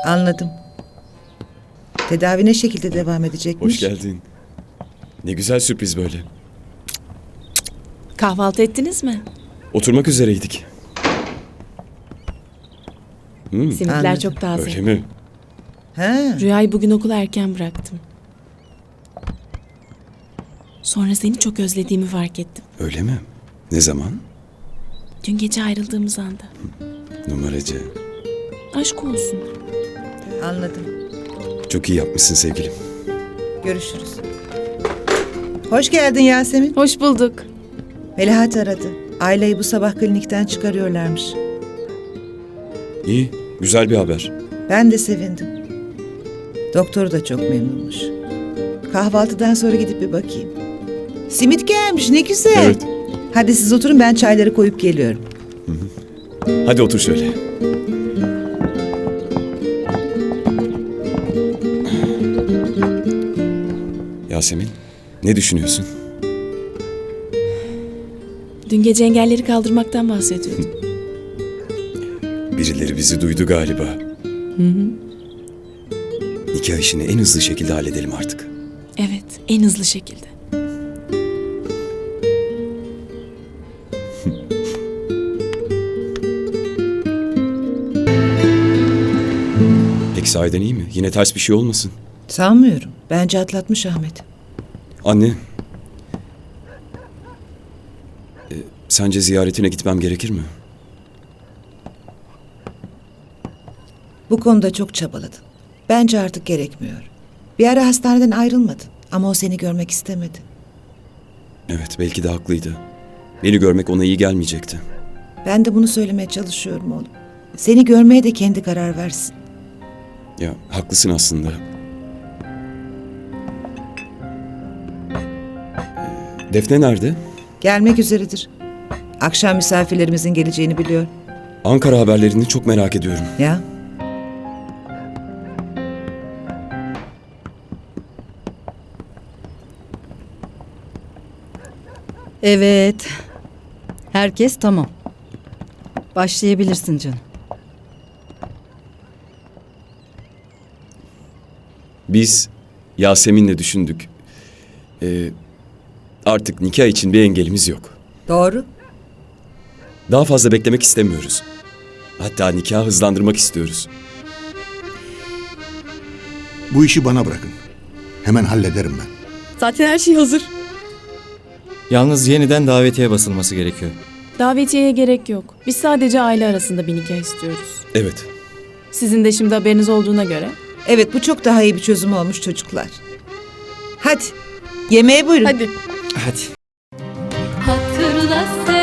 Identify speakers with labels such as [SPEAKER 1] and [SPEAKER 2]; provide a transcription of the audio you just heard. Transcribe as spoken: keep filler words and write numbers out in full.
[SPEAKER 1] Anladım. Tedavi ne şekilde devam edecekmiş?
[SPEAKER 2] Hoş geldin. Ne güzel sürpriz böyle.
[SPEAKER 3] Kahvaltı ettiniz mi?
[SPEAKER 2] Oturmak üzereydik. Hmm,
[SPEAKER 3] Simitler
[SPEAKER 1] Anladım.
[SPEAKER 3] çok taze.
[SPEAKER 2] öyle mi?
[SPEAKER 1] Ha,
[SPEAKER 3] Rüyayı bugün okula erken bıraktım. Sonra seni çok özlediğimi fark ettim.
[SPEAKER 2] Öyle mi? Ne zaman?
[SPEAKER 3] Dün gece ayrıldığımız anda.
[SPEAKER 2] Numaracı.
[SPEAKER 3] Aşk olsun.
[SPEAKER 1] anladım.
[SPEAKER 2] Çok iyi yapmışsın sevgilim.
[SPEAKER 1] Görüşürüz. Hoş geldin Yasemin.
[SPEAKER 3] Hoş bulduk.
[SPEAKER 1] Melahat aradı. Aileyi bu sabah klinikten çıkarıyorlarmış.
[SPEAKER 2] İyi, güzel bir haber.
[SPEAKER 1] Ben de sevindim. Doktoru da çok memnunmuş. Kahvaltıdan sonra gidip bir bakayım. Simit gelmiş, ne güzel.
[SPEAKER 2] Evet.
[SPEAKER 1] Hadi siz oturun, ben çayları koyup geliyorum.
[SPEAKER 2] Hadi otur şöyle. Yasemin, ne düşünüyorsun?
[SPEAKER 3] Dün gece engelleri kaldırmaktan bahsediyordum.
[SPEAKER 2] Birileri bizi duydu galiba. Nikah işini en hızlı şekilde halledelim artık.
[SPEAKER 3] Evet, en hızlı şekilde.
[SPEAKER 2] Peki sahiden iyi mi? Yine ters bir şey olmasın.
[SPEAKER 1] Sanmıyorum. Bence atlatmış Ahmet.
[SPEAKER 2] Anne. E, sence ziyaretine gitmem gerekir mi?
[SPEAKER 1] Bu konuda çok çabaladın. Bence artık gerekmiyor. Bir ara hastaneden ayrılmadın ama o seni görmek istemedi.
[SPEAKER 2] Evet, belki de haklıydı. Beni görmek ona iyi gelmeyecekti.
[SPEAKER 1] Ben de bunu söylemeye çalışıyorum oğlum. Seni görmeye de kendi karar versin.
[SPEAKER 2] Ya, haklısın aslında. E, Defne nerede?
[SPEAKER 1] Gelmek üzeredir. Akşam misafirlerimizin geleceğini biliyor.
[SPEAKER 2] Ankara haberlerini çok merak ediyorum.
[SPEAKER 1] Ya,
[SPEAKER 4] Evet. Herkes tamam. Başlayabilirsin canım.
[SPEAKER 2] Biz Yasemin'le düşündük. E, artık nikah için bir engelimiz yok.
[SPEAKER 1] doğru.
[SPEAKER 2] Daha fazla beklemek istemiyoruz. Hatta nikahı hızlandırmak istiyoruz.
[SPEAKER 5] Bu işi bana bırakın. Hemen hallederim ben.
[SPEAKER 3] Zaten her şey hazır.
[SPEAKER 6] Yalnız yeniden davetiye basılması gerekiyor.
[SPEAKER 3] Davetiyeye gerek yok. Biz sadece aile arasında bir nikah istiyoruz.
[SPEAKER 2] Evet.
[SPEAKER 3] Sizin de şimdi haberiniz olduğuna göre.
[SPEAKER 1] Evet, bu çok daha iyi bir çözüm olmuş çocuklar. Hadi, yemeğe buyurun.
[SPEAKER 3] Hadi.
[SPEAKER 6] Hadi.
[SPEAKER 7] Hatırla sen